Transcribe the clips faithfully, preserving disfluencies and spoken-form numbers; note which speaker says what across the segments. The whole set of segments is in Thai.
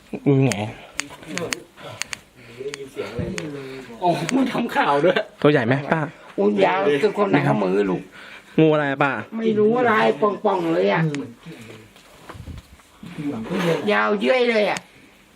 Speaker 1: อือไง
Speaker 2: โอ้มันทำข่าวด้วย
Speaker 1: ตัวใหญ่ไหมป้า
Speaker 3: อุ้ยยาวคือคนไหนข้ามือลูก
Speaker 1: งูอะไรป้า
Speaker 3: ไม่รู้อะไรป่องๆเลยอ่ะยาวเยื่อยเลยอ่ะ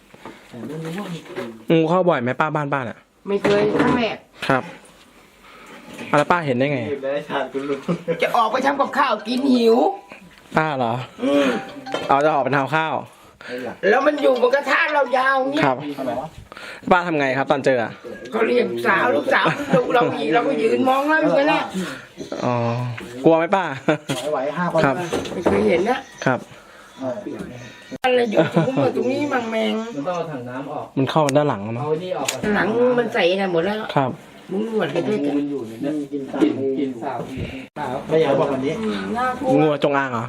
Speaker 1: งูเข้าบ่อยไหมป้าบ้านป้าเนี่ย
Speaker 3: ไม่เคยครั้งแรก
Speaker 1: ครับแล้วป้าเห็นได้ไง
Speaker 3: จะออกไปทำกับข้าวกินหิว
Speaker 1: ป้าเหรอเอาจะออกไปทำข้าว
Speaker 3: แล้วมันอยู่บนกระทะเรายาวเงี้ย
Speaker 1: ครับป้าทำไงครับตอนเจอ
Speaker 3: ก็เรียกสาวลูกสาวดูเราอีกเราก็ยืนมองแล้วอยู่แหละ
Speaker 1: อ๋อกลัวไหมป้า
Speaker 2: ไหวห้าคน
Speaker 3: ครับไม่เคยเห็นนะครับอะไรอยู่ตรงนี้ตรงนี้มังแมง
Speaker 2: มันต้องเอาถังน้ำออก
Speaker 1: มันเข้าด้านหลังมั้ง
Speaker 2: เอานี่ออก
Speaker 3: หลังมันใส่น่ะหมดแล้ว
Speaker 1: ครับ
Speaker 3: มึงหนวดกันด้วยกัน
Speaker 2: มันอยู่เนี่ยกินกินกินสาวสาวไม่อยากบอกวันนี้
Speaker 1: งูจงอางเหรอ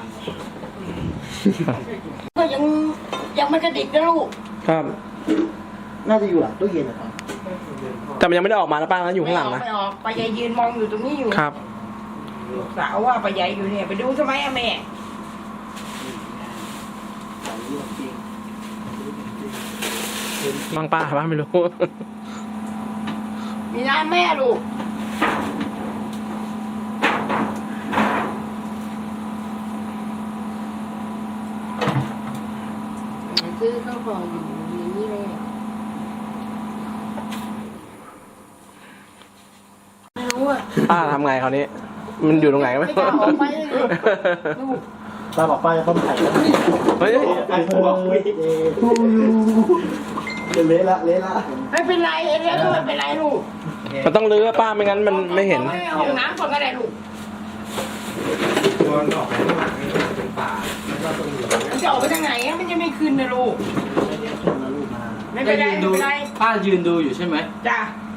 Speaker 3: ก็ยังยังไม่กระดิกนะลูก
Speaker 1: ครับ
Speaker 2: น่าจะอยู่หลังตู้เย็นนะครับ
Speaker 1: แต่มันยังไม่ได้ออกมาแล้วป้านะอยู่ข้างหลังนะ
Speaker 3: ไม่ออกป้าใหญ่ยืนมองอยู่ตรงนี้อยู่
Speaker 1: ครับ
Speaker 3: สาวว่าป้าใหญ่อยู่เนี่ยไปดูทำไมอะแม่
Speaker 1: บางป้าป้าไม่รู้
Speaker 3: มีน้าแม่ลูกซื้อข้าวของอยู่อย่างนี้เลยไม่รู้อ่ะ
Speaker 1: ป้าทำไงคราวนี้มันอยู่ตรงไหนไม่รู้
Speaker 2: ป้าบอกป้าจะต้มไข่
Speaker 1: เฮ้ย
Speaker 2: ไอ้พวกเละละเละละ
Speaker 3: ไม่เป็นไรเละก็ไม่เป็นไรลูก
Speaker 1: มันต้องลื้อป้าไม่งั้นมันไม่เห็น
Speaker 3: ห้องน้ำก่อนก็ได้ลูก
Speaker 2: มันออกไปข้างหลังเป็นป่า
Speaker 3: มันจะออกไปทางไหนมันจะไม่ขึ้นนะลูกไม่เป็นไรไม่เป็นไร
Speaker 2: ป้ายืนดูอยู่ใช่ไหม
Speaker 3: จ้า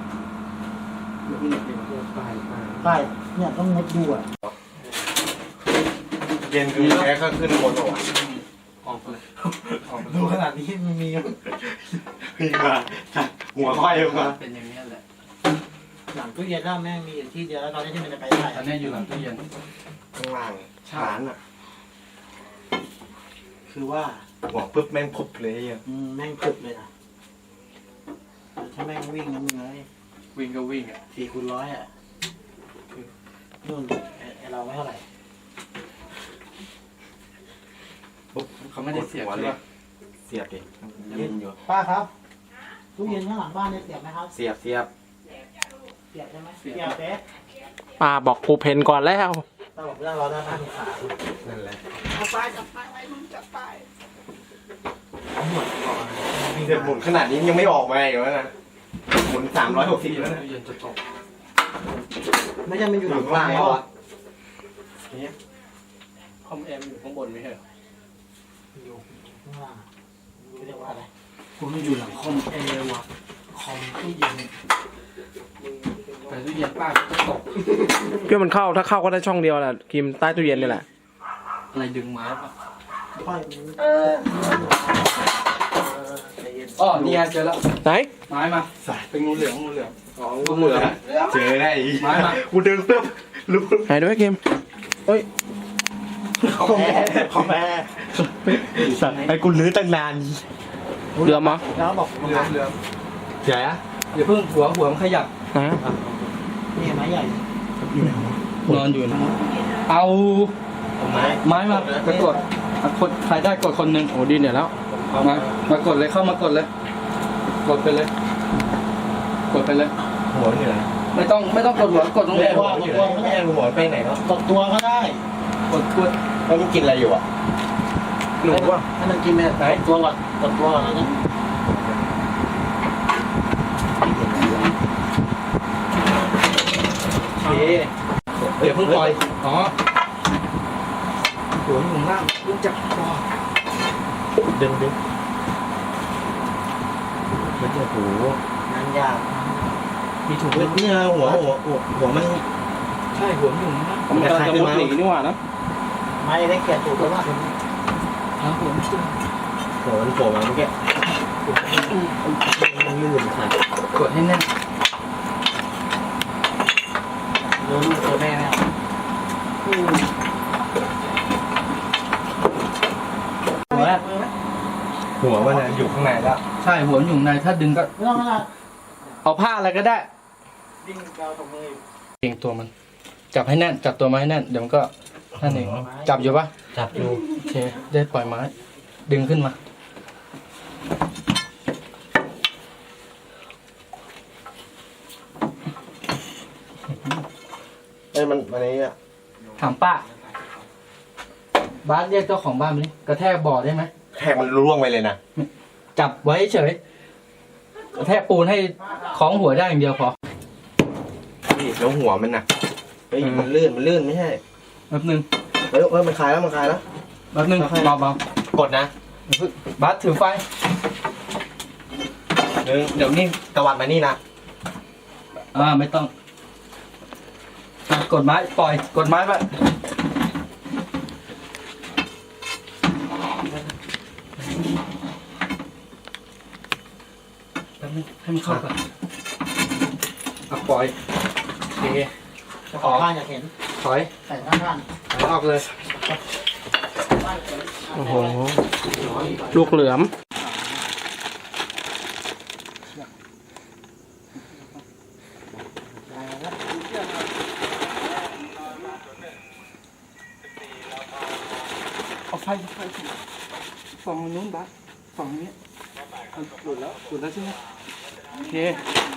Speaker 2: ป้าเนี่ยต้องงดดูอ่ะ
Speaker 4: เย็นคือแค่ก็ขึ้นบนหัว
Speaker 2: ดูขนาดนี้มันมี
Speaker 4: ขึ้นมาหัวค่อยลงมา
Speaker 2: เป็นอย่างนี้แหละหลังตู้เย็นแล้วแม่มีอยู่ที่เดียวแล้วตอนนี้ที่มันจะไปได้ตอนนี้อยู่หลังตู้เย็น
Speaker 4: ข้างล่างฐานอ่ะ
Speaker 2: คือว่า
Speaker 4: หัวปุ๊บแม่งพุบเลยอ่ะ
Speaker 2: แม่งพุบเลยนะถ้าแม่งวิ่งนะมึงเลยวิ่งก็วิ่งอ่ะสี่คูณร้อยอ่ะนู่นไอเราไม่เท่าไหร่เขาไม่ได้เสียบเลย
Speaker 4: เสียบดิ
Speaker 2: เย็นอยู่ป้าครับตู้เย็นข้างหลังบ้านเนี่ยเสียบไหมครับ
Speaker 4: เสียบเสียบ
Speaker 2: เสียบใช่ไหมเสียบเป๊ะ
Speaker 1: ป้าบอกผูเพนก่อนแล้ว
Speaker 2: ป้าบอกนั่งรอหน้าบ้านขา
Speaker 4: นั่นแหละ
Speaker 3: จับไปจับไปไว้มึงจับไป
Speaker 4: หมุนก่อนเดี๋ยวหมุนขนาดนี้ยังไม่ออกมาอีกแล้วนะหมุนสามร้อยหกสิบแล้วนะ
Speaker 2: เย็นจะตกไม่ใช่มันอยู่หลังบ้านเหรอนี่คอมแอมอยู่ข้างบนไม่ใช่เหรออยู่ข้างล่างไม่เรียกว่าอะไรคุณมันอยู่หลังคอมแอร์ว่ะคอมตู้เย็นแต่ตู้เย็นป้าก็ตก
Speaker 1: เพื่อมันเข้าถ้าเข้าก็ได้ช่องเดียวแหละกิมใต้ตู้เย็นนี่แหละ
Speaker 2: อะไรดึงไม้ป่ะ
Speaker 3: เออ
Speaker 2: อ๋อนี่ไงเจอแล้ว
Speaker 1: ไหน
Speaker 2: ไม้มาเป็นงูเหลืองงูเหลือง
Speaker 4: อ๋องูเหลืองเจอได้
Speaker 2: ไม้มา
Speaker 4: กูเดินเพิ่มรู้
Speaker 1: ไหนด้วยกิมเฮ้ย
Speaker 4: คอมแม่คอมแม่สั่งไอ้กูลื้อตั้งนาน
Speaker 1: เรือมั้ง
Speaker 2: แล้วบอกเรือเรือ
Speaker 4: ใหญ่อะ
Speaker 2: อย่าเพิ่งหัวหัวมันขยับ
Speaker 1: นะ
Speaker 2: นี่ไม้ใหญ่นอนอยู่นะเอาไม้ไม้มากดกดกดใครได้กดคนหนึ่ง
Speaker 1: โอ้ดีเนี่ยแล้ว
Speaker 2: มามากดเลยเข้ามากดเลยกดไปเลยกดไปเลย
Speaker 4: หัวอยู่ไหน
Speaker 2: ไม่ต้องไม่ต้องกดหัวกดตรงนี้
Speaker 4: หัวอยู่ไหนไม่ใช่หัวไปไหนเนาะ
Speaker 2: กดตัวก็ได้กดกด
Speaker 4: แล้วมันกินอะไรอยู่อ่ะ
Speaker 2: หนูว่าให้มันกินไหมไหนตัวก่อนกดตัวก่อนนะโอเคเดี๋ยวเพิ่งปล่อยอ๋อหัวอยู่ล่างรู้จักคอ
Speaker 4: ดึงดึงมันจะหู
Speaker 2: งานยากมีถุง
Speaker 4: เนี่ยหัวหัวหัวมัน
Speaker 2: ใช่หัวอยู่นะ
Speaker 1: ผมจะจะมุดหนีนี่หว่านะ
Speaker 2: ไม่ได้เกลียดถูกแล้วว่าหัวหัว
Speaker 4: หัวมันโผล่มาเมื่อกี้มันลื่นค่ะ
Speaker 2: กดให้แน่นรู้ลูกตัวแม่ไหมหัว
Speaker 4: หัวมันนะอยู่ข้างในแล้ว
Speaker 2: ใช่หัวมันอยู่ในถ้าดึงก็
Speaker 3: ไม่ต้องไม่ต้อง
Speaker 2: เอาผ้าอะไรก็ได้
Speaker 3: ดิ้งเราตรงมือ
Speaker 2: เองตัวมัน จับให้แน่น จับตัวไม้ให้แน่นเดี๋ยวมันก็นั่นเองจับอยู่ปะ
Speaker 4: จับอยู่
Speaker 2: โอเคได้ปล่อยไม้ ดึงขึ้นมา
Speaker 4: เอ้ยมันมันนี้อ่ะ
Speaker 2: ถามป้าบ้านเรียกเจ้าของบ้านมาดิกระแทกบ่อได้ไหม
Speaker 4: แทกมันร่วงไปเลยนะ
Speaker 2: จับไว้เฉยกระแทกปูนให้คล้องหัวได้อย่างเดียวพอ
Speaker 4: นี่แล้วหัวมันน่ะเฮ้ยมันลื่นมันลื่นไม่ใช่
Speaker 2: แป๊บนึง
Speaker 4: เฮ้ยเฮ้ยมันคลายแล้วมันคลายแล้ว
Speaker 2: แป๊บนึง
Speaker 4: ค่อยๆ
Speaker 2: เบาเบาก
Speaker 4: ดนะ
Speaker 2: ๆบัสถือไฟ
Speaker 4: เดี๋ยวเดี๋ยวนี่ตะวัดมานี่นะ
Speaker 2: อ่าไม่ต้องอ่ะกดไม้ปล่อยกดไม้ไปแป๊บนึงให้มันเข้าก่อนอ่ะปล่อยโอเค
Speaker 3: เจ้าของบ้านอยากเห็น
Speaker 2: ถอย
Speaker 3: ใส่ข้างบ้าน
Speaker 2: ถอยออกเลย
Speaker 3: บ้านเห็น
Speaker 1: โอ้โห ลูกเหลือม
Speaker 2: เอาไฟไฟฝั่งนู้นบัสฝั่งนี้หลุดแล้วหลุดแล้วใช่ไหมโอเค